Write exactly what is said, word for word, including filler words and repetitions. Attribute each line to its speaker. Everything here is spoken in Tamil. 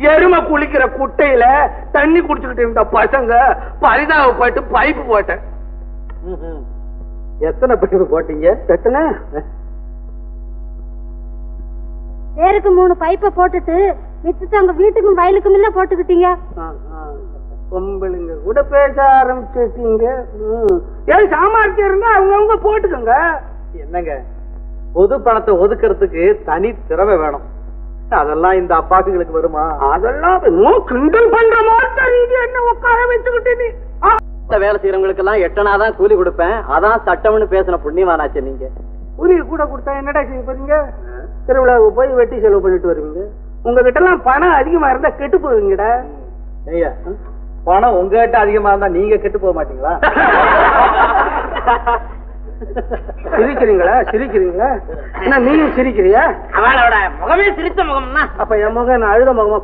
Speaker 1: எருமை குளிக்கிற குட்டையில தண்ணி குடிச்சுக்கிட்டு இருந்த பசங்க பரிதாபப்பட்டு பைப்பு போட்டேன்.
Speaker 2: எத்தனை பைப்பு போட்டீங்க?
Speaker 1: எத்தனை?
Speaker 3: பேருக்கு மூணு பைப்பை போட்டுட்டு மிச்சத்தை உங்க வீட்டுக்கும் வயலுக்கும் இல்ல போட்டுக்கிட்டீங்க.
Speaker 1: பொம்பளைங்க கூட பேச ஆரம்பிச்சுட்டீங்க. ஏன் சாமர்த்தியம் இருந்தா அவங்கவுங்க போட்டுக்கோங்க.
Speaker 2: என்னங்க, பொது பணத்தை ஒதுக்கிறதுக்கு தனி திறமை வேணும். அதெல்லாம் இந்த அப்பாக்குங்களுக்கு வருமா?
Speaker 1: அதெல்லாம் கிண்டல் பண்ற மாதிரி என்ன உட்கார வச்சுக்கிட்டு
Speaker 2: வேலை செய்யறவங்களுக்கு எல்லாம் எட்டனாதான் கூலி கொடுப்பேன், அதான் சட்டம்னு பேசின புண்ணியவானாச்சு. நீங்க
Speaker 1: கூலி கூட கொடுத்தா என்னடா செய்ய போறீங்க? திருவிழாவுக்கு போய் வெட்டி செலவு பண்ணிட்டு வருவீங்க. உங்ககிட்ட எல்லாம் பணம் அதிகமா இருந்தா கெட்டு போவீங்கடா.
Speaker 2: ஐயா, பணம் உங்ககிட்ட அதிகமா இருந்தா நீங்க கெட்டு போக மாட்டீங்களா?
Speaker 1: சிரிக்கிறீங்களா? சிரிக்கிறீங்களா? என்ன நீயும் சிரிக்கிறியா?
Speaker 4: அவளோட முகமே சிரித்த முகம்னா
Speaker 1: அப்ப என் முகம் அழுத முகமா